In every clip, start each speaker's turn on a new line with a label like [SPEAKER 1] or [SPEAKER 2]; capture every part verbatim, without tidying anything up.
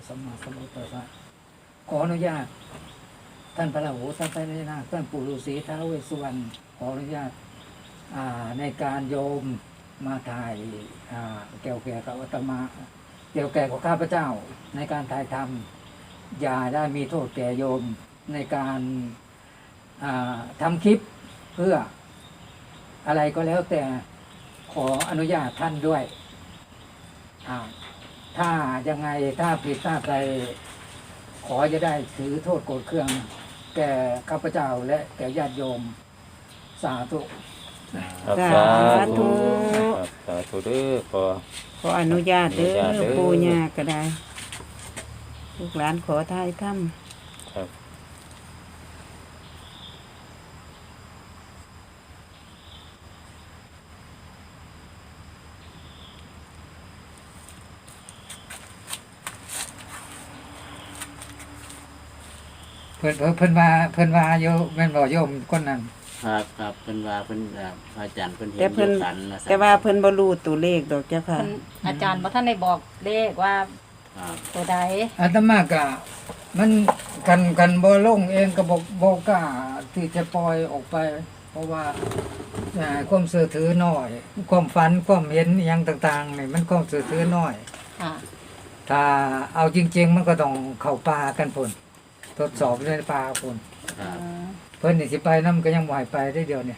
[SPEAKER 1] สัมมาสัมพุทธัสสะขออนุญาตท่านพระราหูสัพพะนาคท่านปู่ฤาษีท้าวเวสสุวรรณขออนุญาตในการโยมมาถ่ายเกี่ยวแก่กับอาตมาเกี่ยวแก่กับข้าพเจ้าในการถ่ายทำอย่าได้มีโทษแก่โยมในการทำคลิปเพื่ออะไรก็แล้วแต่ขออนุญาตท่านด้วยถ้ายังไงถ้าผิดพลาดใดขอจะได้ถือโทษโกรธเคืองแก่ข้าพเจ้าและแก่ญาติโยมสาธุ
[SPEAKER 2] สาธุสาธุเด้อขอ
[SPEAKER 3] ขออนุญาตเด้อปู่ย่าก็ได้ลูกหลานขอทายถ้ำครับ
[SPEAKER 1] เพิ่นเพิ่นว่าเพิ่นว่าโยมแม่นบ่โยมคนนั้น
[SPEAKER 4] ครับครับเพิ่นว่าเพิ่นพระอาจารย์เพิ่นเห็น
[SPEAKER 3] แต่เพิ่นแต่ว่าเพิ่นบ่รู้ตัวเลขดอกเจ้าค่ะ
[SPEAKER 5] อาจารย์บ่ท่านได้บอกเลขว่าตัวใด
[SPEAKER 1] อาตมาก็มันกันกันบ่ลงเองก็บ่บ่กล้าที่จะปล่อยออกไปเพราะว่าความเชื่อถือน้อยความฝันความเห็นอหยังต่างๆนี่มันความเชื่อถือน้อยถ้าเอาจริงๆมันก็ต้องเข้าป่ากันพุ่นทดสอบในป่าพุ่นเพิ่นนี่สิไปนำก็ยังบ่ให้ไปได้เดียวเนี่ย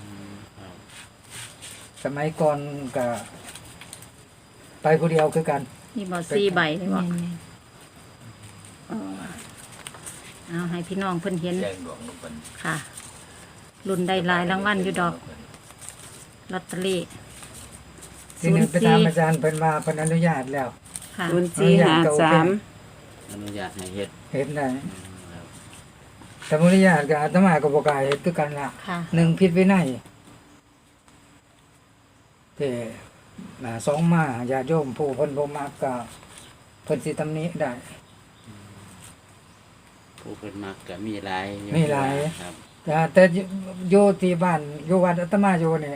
[SPEAKER 1] สมัยก่อนก็ไปผู้เดียวคือกัน
[SPEAKER 5] มีบ่สี่ใบเลยบ่เอาให้พี่น้องเพิ่นเห็นค่ะรุ่นได้หลายรางวัลอยู่ดอกลอตเตอรี่
[SPEAKER 1] ทีนึงไปถามอาจารย์เพิ่นมาเพิ่นอนุญาตแล้ว
[SPEAKER 5] ค่ะ
[SPEAKER 3] ศูนย์สี่ห้าสาม
[SPEAKER 4] อนุญาตให้เฮ็ด
[SPEAKER 1] เฮ็ดได้แต่อนุญาตก็อาตมาก็บ่กล้าเฮ็ดคือกันล่ะหนึ่งผิดวินัยแต่สองมาญาติโยมผู้เพิ่นบ่มักก็เพิ่นสิตำหนิได้
[SPEAKER 4] ผู้เพิ่นมักก็มีหลาย
[SPEAKER 1] มีหลายครับแต่แต่อยู่ที่บ้านอยู่วัดอาตมาอยู่นี่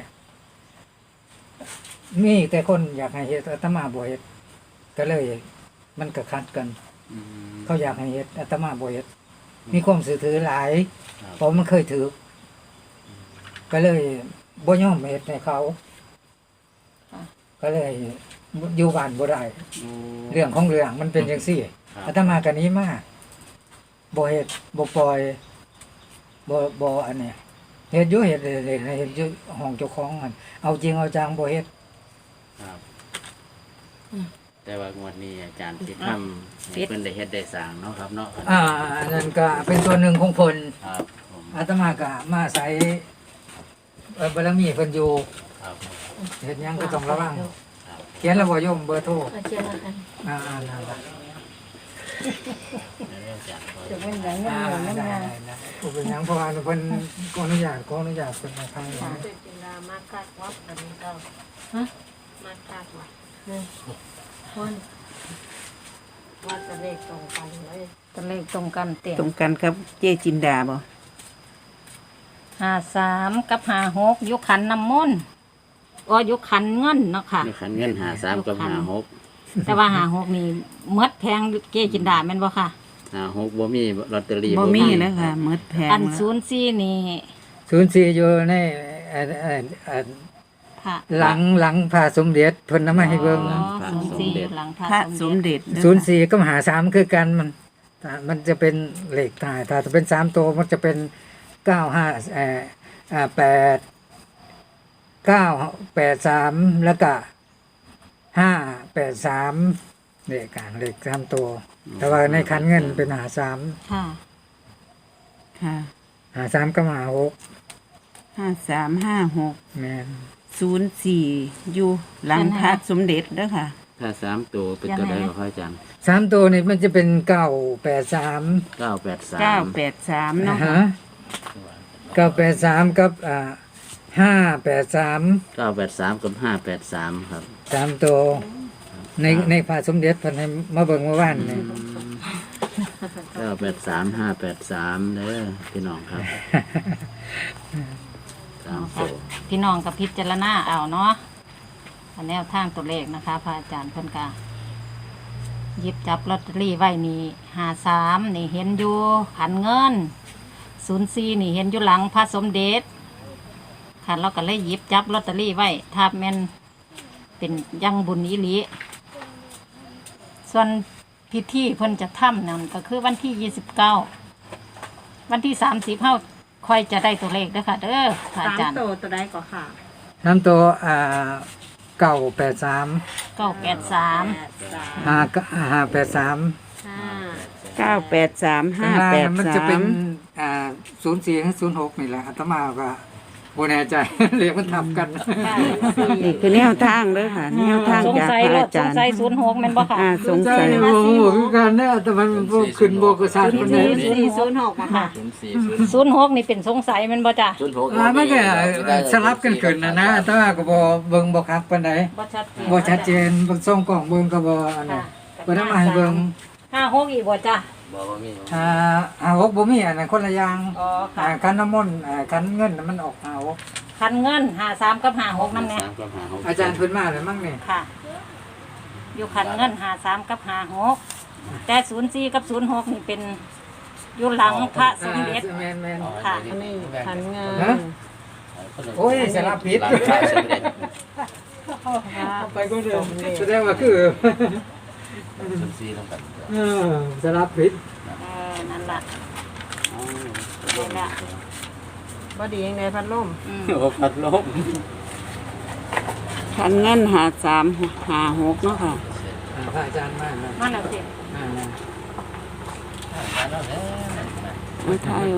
[SPEAKER 1] มีแต่คนอยากให้เฮ็ดอาตมาบ่เฮ็ดก็เลยมันก็ขัดกันเขาอยากให้เฮ็ดอาตมาบ่เฮ็ดมีความสื่อถือหลายเพราะมันเคยถือก็เลยบ่ยอมเฮ็ดให้เขาก็เลยอยู่บ้านบ่ได้เรื่องของเรื่องมันเป็นจังซี่อาตมาก็นี้มาบ่เฮ็ดบ่ปล่อยบ่บ่อันนี้เฮ็ดอยู่เฮ็ดเฮ็ดเฮ็ดอยู่ห้องเจ้าของมันเอาจริงเอาจังบ่เฮ็ด
[SPEAKER 4] ครับแต่ว่างวดนี้อาจารย์สิทำให้เพิ่นได้เฮ็ดได้สร้างเนาะครับเนาะ
[SPEAKER 1] อ่าอันนั้นก็เป็นส่วนหนึ่งของเพิ่นครับอาตมาก็มาอาศัยบารมีเพิ่นอยู่ครับเฮ็ดหยังก็ต้องระวังเขียนแล้วบ่โยมเบอร์โทรเขียนแล้วกันอ่าๆนั่นล่ะ
[SPEAKER 5] จะเป็นหยังงามๆงาม
[SPEAKER 1] ๆบ่เป็นหยังเพราะว่าเพิ่นขออนุญาตขออนุญาตเพิ่นมาทางนี้
[SPEAKER 5] จินดามาคักวัดอันนี้เจ้าฮะมาคักวัดนี่คนว่าจะเลขตรงกันเลยจะเลขตรงกันเต็ม
[SPEAKER 3] ตรงกันครับเจ๊จินดาบ่
[SPEAKER 5] ห้าสามกับห้าหกยุคขันน้ำมนต์ก็ยุคขันเงินเนาะค่ะ
[SPEAKER 4] ยุคขันเงินห้าสามกับห้าหก
[SPEAKER 5] แต่ว่าห้าหกนี่มดแพงเจ๊จินดาแม่นบ่ค่ะ
[SPEAKER 4] ห้าหกบ่มีลอตเตอรี่
[SPEAKER 3] บ่มีนะคะมดแพง
[SPEAKER 5] อันศูนย์สี่นี่
[SPEAKER 1] ศูนย์สี่อยู่ในหลังหลังพระสมเด็จเพิ่นนำมาให้เบิ่ง
[SPEAKER 5] ศูนย์สี่หลัง
[SPEAKER 3] พระสมเด็จ
[SPEAKER 1] ศูนย์สี่กับห้าสามคือกันมันมันจะเป็นเลขท้ายถ้าจะเป็นสามตัวมันจะเป็นเก้าห้าเอ่ออ่าแปดเก้าแปดสามแล้วก็ห้าแปดสามเลขกลางเลขสามตัวแต่ว่าในขันเงินเป็นห้าสาม
[SPEAKER 5] ค่ะ
[SPEAKER 3] ค่ะ
[SPEAKER 1] ห้าสามกับห้าหก
[SPEAKER 3] ห้าสามห้าหก
[SPEAKER 1] แม่น
[SPEAKER 3] ศูนย์สี่อยู่หลังพระสมเด็จเด้อค่ะ
[SPEAKER 4] ถ้าสามตัวเป็นตัวใดบ่ครับอาจารย์
[SPEAKER 1] สามตัวนี่มันจะเป็นเก้าแปดสาม
[SPEAKER 4] เก้าแปดสาม
[SPEAKER 3] เก้าแปดสามเนาะ
[SPEAKER 1] เก้าแปดสามกับอ่าห้าแปดสาม
[SPEAKER 4] เก้าแปดสามกับห้าแปดสามครับ
[SPEAKER 1] สามตัวในในพระสมเด็จเพิ่นให้มาเบิ่งเมื่อวานนี่
[SPEAKER 4] เก้าแปดสามห้าแปดสามเด้อพี่น้องครับ
[SPEAKER 5] พี่น้องกับพิจารณาเอาเนาะแนวทางตัวเลขนะคะพระอาจารย์เพิ่นกาหยิบจับลอตเตอรี่ไว้นี่หาสามนี่เห็นอยู่ขันเงินศูนย์สี่นี่เห็นอยู่หลังพระสมเด็จค่ะเราก็เลยหยิบจับลอตเตอรี่ไว้ถ้าแม่นเป็นยังบุญอีหลีส่วนพิธีเพิ่นจะทำนั่นก็คือวันที่ยี่สิบเก้าวันที่สามสิบเฮาค่อยจะได้ตัวเลขเด้อค่ะเด้อพระอาจารย์
[SPEAKER 6] โตตัวใดก็ค่ะ
[SPEAKER 1] น้ำตัวอ่าเก้าแปดสาม
[SPEAKER 5] เก้าแปดสาม
[SPEAKER 6] แปดสาม
[SPEAKER 1] ห้าห้าแปดสาม
[SPEAKER 6] ห้า
[SPEAKER 3] เก้าแปดสามห้า
[SPEAKER 1] ข้างล่าง
[SPEAKER 3] แปด
[SPEAKER 1] มันจะ
[SPEAKER 3] สา
[SPEAKER 1] เป็น
[SPEAKER 3] ม
[SPEAKER 1] อ่าศูนย์สี่ศูนย์หกนี่แหละอาตมาก็บ่แน่ใจ เรียกมันทับกัน
[SPEAKER 3] นี่คือแนวทางเด้อค่ะแนวทาง
[SPEAKER 5] สง
[SPEAKER 3] จาก
[SPEAKER 5] สัย
[SPEAKER 3] พระ
[SPEAKER 5] ร
[SPEAKER 3] อา
[SPEAKER 5] ถส
[SPEAKER 3] จาง รย์
[SPEAKER 5] สัยศูนย์หกแม่นบ่ค่ะ
[SPEAKER 3] อ่าสงสัย
[SPEAKER 1] โอ้โหคือกันเนี่ยแต่มันบ่ขึ้นบ่กระซานปานใด
[SPEAKER 6] สี่ศูนย์หกมาค่ะ
[SPEAKER 4] ศูนย์สี่ศูนย์
[SPEAKER 5] ศูนย์หกนี่เป็นสงสัยแม่นบ่จ้ะ
[SPEAKER 4] ศูนย์หก
[SPEAKER 1] อ่ามันก็สลับกันขึ้นนะนะแต่ว่าก็บ่เบิ่งบ่คักปานใด
[SPEAKER 5] บ่ชัดเจน
[SPEAKER 1] บ่ชัดเจนเบิ่งส่งกล้องเบิ่งก็บ่อันนั้นบ่ได้มาให้เบิ่ง
[SPEAKER 5] ห้าหกอีกบ่จ้ะ
[SPEAKER 4] บอกว่ามี
[SPEAKER 1] อ่าอ่าหกบ่มีอันนั้นคนละอย่าง
[SPEAKER 5] อ๋อค่ะ
[SPEAKER 1] อ่าคันน้ำมนต์อ่าคันเงินน่ะมันออกหาหก
[SPEAKER 5] คันเงินห้าสามกับห้าหกนั่นแหละ
[SPEAKER 4] สามกับห้าหก
[SPEAKER 1] อาจารย์เพิ่นมาแล้วมั้งนี่
[SPEAKER 5] ค่ะ อยู่คันเงินห้าสามกับห้าหกแต่ศูนย์สี่กับศูนย์หกนี่เป็นอยู่หลังพระสมเด็จ
[SPEAKER 1] แม่น
[SPEAKER 5] ค่ะ
[SPEAKER 6] อันนี้ขันเงิ
[SPEAKER 1] ๆฮะ
[SPEAKER 6] น
[SPEAKER 1] โอ้ยสลับผิด
[SPEAKER 4] หลังพระสมเด็จ
[SPEAKER 1] ไปก็เดิมแสดงว่าคือ
[SPEAKER 4] ศูนย์สี่ต้องกัน
[SPEAKER 1] เออสลับผิด
[SPEAKER 5] เออนั่นล่ะ
[SPEAKER 4] อ๋อ
[SPEAKER 5] นั่นล่ะ
[SPEAKER 6] บ่ดียังไงพัดลม
[SPEAKER 5] อืม
[SPEAKER 4] โอ้พัดลม
[SPEAKER 3] คันเงินหาสามหาหกเนาะค่ะ
[SPEAKER 1] อ่าพระอาจารย์มาแล้ว
[SPEAKER 5] นั่นแหละสิ
[SPEAKER 1] อ่า
[SPEAKER 3] ไม่ใช่เอา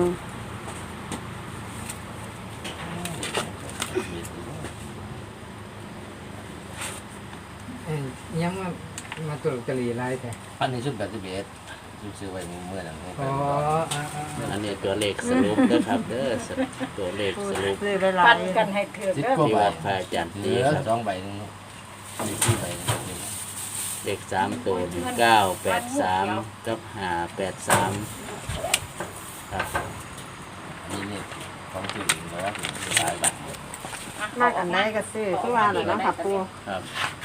[SPEAKER 1] เอ้ยยังมามาตุลกะลีไล่แต่
[SPEAKER 4] อันนี้ชุดแบบสิบเอ็ดชุดซื้อไว้เมื่อหลัง
[SPEAKER 1] อ๋ออ่าอ่าอ่า
[SPEAKER 4] อันนี้ตัวเลขสรุปนะครับเด้อตัวเลขสรุป
[SPEAKER 6] ซื้อไปหลา
[SPEAKER 5] ปั
[SPEAKER 6] ย
[SPEAKER 5] นกันให้ถือ
[SPEAKER 4] สิบ
[SPEAKER 5] เด้อก
[SPEAKER 4] ว่าบาทพระอาจารย์ตีครับสองใบนึงมีที่ใบนึงเลขสามตัวเก้าแปดสามกับห้าแปดสามครับนี่นี่ของที่อื่นแล้วถึงหลายบาท
[SPEAKER 6] มากอันไหนก็ซื้อคือว่าแหละเนาะค่ะปู
[SPEAKER 4] ครับ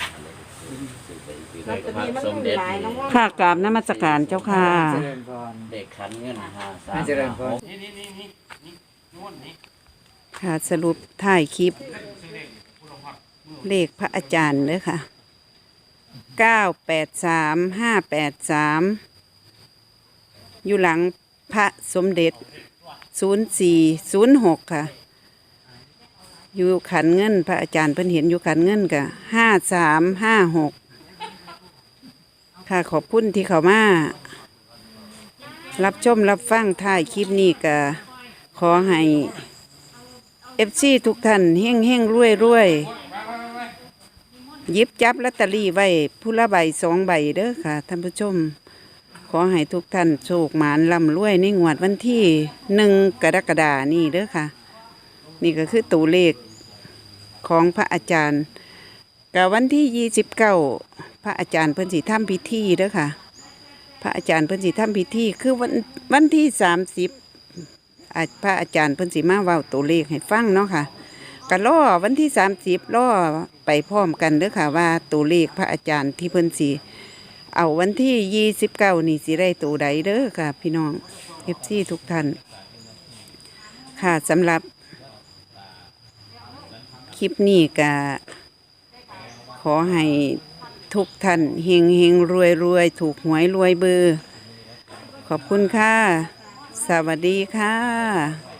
[SPEAKER 6] ลอตเตอรี่มันมีหลายเนาะ
[SPEAKER 3] ค่ากราบนมัสการเจ้าค่ะ
[SPEAKER 1] เจริญพร
[SPEAKER 4] เด็กขันเงินห้าสาม
[SPEAKER 1] ให้เจริญพร
[SPEAKER 4] นี่นี่นี่นี่นี่นู่นนี่
[SPEAKER 3] ค่ะสรุปถ่ายคลิป เลขพระอาจารย์เด้อค่ะเก้าแปดสามห้าแปดสามอยู่หลังพระสมเด็จศูนย์สี่ศูนย์หกค่ะ อยู่ขันเงินพระอาจารย์เพิ่นเห็นอยู่ขันเงินกะห้าสามห้าหกค่ะขอบคุณที่เขามา รับชมรับฟังถ่ายคลิปนี้กะขอให้เอฟซีทุกท่านเฮ่งเฮ่งรวยรวยหยิบจับลอตเตอรี่ไว้ผู้ละใบสองใบเด้อค่ะท่านผู้ชม ขอให้ทุกท่านโชคหมานร่ำรวยในงวดวันที่หนึ่งกรกฎานี่เด้อค่ะ นี่ก็คือตัวเลขของพระอาจารย์กับวันที่ยี่สิบเก้าพระอาจารย์เพิ่นสิทำพิธีเด้อค่ะ พระอาจารย์เพิ่นสิทำพิธีคือวันวันที่สามสิบพระอาจารย์เพิ่นสิมาเว้าตัวเลขให้ฟังเนาะค่ะก็รอวันที่สามสิบรอไปพร้อมกันเด้อค่ะว่าตัวเลขพระอาจารย์ที่เพิ่นสิเอาวันที่ยี่สิบเก้านี่สิได้ตัวใดเด้อค่ะ พี่น้องเอฟซีทุกท่านค่ะสำหรับ คลิปนี้ก็ขอให้ทุกท่านเฮงเฮงรวยรวยถูกหวยรวยเบอร์ ขอบคุณค่ะ สวัสดีค่ะ